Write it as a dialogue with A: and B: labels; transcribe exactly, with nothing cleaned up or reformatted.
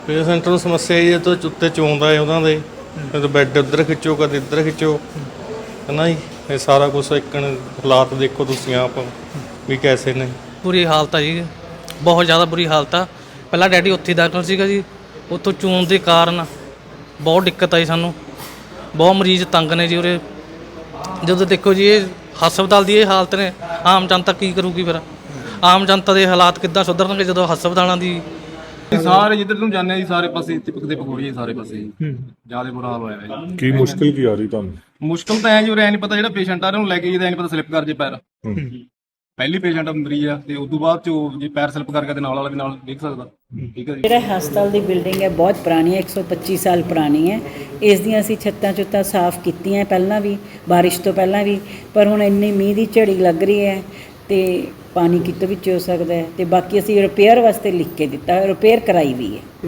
A: Patient ਨੂੰ ਸਮੱਸਿਆ ਇਹ ਤੋਂ ਉੱਤੇ ਚੋਂਦਾ ਹੈ ਉਹਨਾਂ ਦੇ ਕਦੇ ਬੈੱਡ ਉੱਧਰ ਖਿੱਚੋ ਕਦੇ ਇੱਧਰ ਖਿੱਚੋ ਹੈ ਨਾ ਜੀ। ਇਹ ਸਾਰਾ ਕੁਛ ਇੱਕ ਹਾਲਾਤ ਦੇਖੋ ਤੁਸੀਂ ਆਪ ਵੀ ਕੈਸੇ ਨੇ।
B: ਬੁਰੀ ਹਾਲਤ ਆ ਜੀ, ਬਹੁਤ ਜ਼ਿਆਦਾ ਬੁਰੀ ਹਾਲਤ ਆ। ਪਹਿਲਾਂ ਡੈਡੀ ਉੱਥੇ ਦਾਖਲ ਸੀਗਾ ਜੀ, ਉੱਥੋਂ ਚੋਣ ਦੇ ਕਾਰਨ ਬਹੁਤ ਦਿੱਕਤ ਆਈ ਸਾਨੂੰ। ਬਹੁਤ ਮਰੀਜ਼ ਤੰਗ ਨੇ ਜੀ ਉਰੇ। ਜਦੋਂ ਦੇਖੋ ਜੀ ਇਹ ਹਸਪਤਾਲ ਦੀ ਇਹ ਹਾਲਤ ਨੇ, ਆਮ ਜਨਤਾ ਕੀ ਕਰੂਗੀ ਫਿਰ? ਆਮ ਜਨਤਾ ਦੇ ਹਾਲਾਤ ਕਿੱਦਾਂ ਸੁਧਰਨਗੇ ਜਦੋਂ ਹਸਪਤਾਲਾਂ ਦੀ
C: ਸਾਰੇ ਜਿੱਧਰ ਨੂੰ ਜਾਂਦੇ ਆ ਜੀ ਸਾਰੇ ਪਾਸੇ ਟਿਪਕ ਦੇ ਪਕੌੜੀ ਸਾਰੇ ਪਾਸੇ ਜਿਆਦਾ ਬੁਰਾ ਹਾਲ ਹੋਇਆ ਹੈ ਜੀ।
D: ਕੀ ਮੁਸ਼ਕਿਲ ਕੀ ਆ ਰਹੀ ਤੁਹਾਨੂੰ?
C: ਮੁਸ਼ਕਲ ਤਾਂ ਐ ਜੀ ਉਰੇ ਐ ਨਹੀਂ ਪਤਾ ਜਿਹੜਾ ਪੇਸ਼ੈਂਟ ਆ ਰਿਹਾ ਉਹਨੂੰ ਲੈ ਕੇ ਜਿਹਦਾ ਐ ਨਹੀਂ ਪਤਾ ਸਲਿੱਪ ਕਰ ਜੇ ਪੈਰ। ਪਹਿਲੀ ਪੇਸ਼ੈਂਟ ਮਰੀਜ਼ ਆ ਤੇ ਉਸ ਤੋਂ ਬਾਅਦ ਚ ਜੇ ਪੈਰ ਸਲਿੱਪ ਕਰ ਗਿਆ ਤੇ ਨਾਲ ਵਾਲਾ ਵੀ ਨਾਲ ਦੇਖ ਸਕਦਾ। ਠੀਕ ਹੈ ਜੀ।
E: ਜਿਹੜਾ ਹਸਪਤਾਲ ਦੀ ਬਿਲਡਿੰਗ ਹੈ ਬਹੁਤ ਪੁਰਾਣੀ ਹੈ, ਇੱਕ ਸੌ ਪੱਚੀ ਸਾਲ ਪੁਰਾਣੀ ਹੈ। ਇਸ ਦੀਆਂ ਅਸੀਂ ਛੱਤਾਂ ਚੁੱਤਾਂ ਸਾਫ਼ ਕੀਤੀਆਂ ਪਹਿਲਾਂ ਵੀ, ਬਾਰਿਸ਼ ਤੋਂ ਪਹਿਲਾਂ ਵੀ, ਪਰ ਹੁਣ ਇੰਨੀ ਮੀਂਹ ਦੀ ਝੜੀ ਲੱਗ ਰਹੀ ਹੈ ਤੇ ਪਾਣੀ ਕਿਤੋਂ ਵਿੱਚ ਹੋ ਸਕਦਾ ਹੈ। ਤੇ ਬਾਕੀ ਅਸੀਂ ਰਿਪੇਅਰ ਵਾਸਤੇ ਲਿਖ ਕੇ ਦਿੱਤਾ, ਰਿਪੇਅਰ ਕਰਾਈ ਵੀ ਹੈ।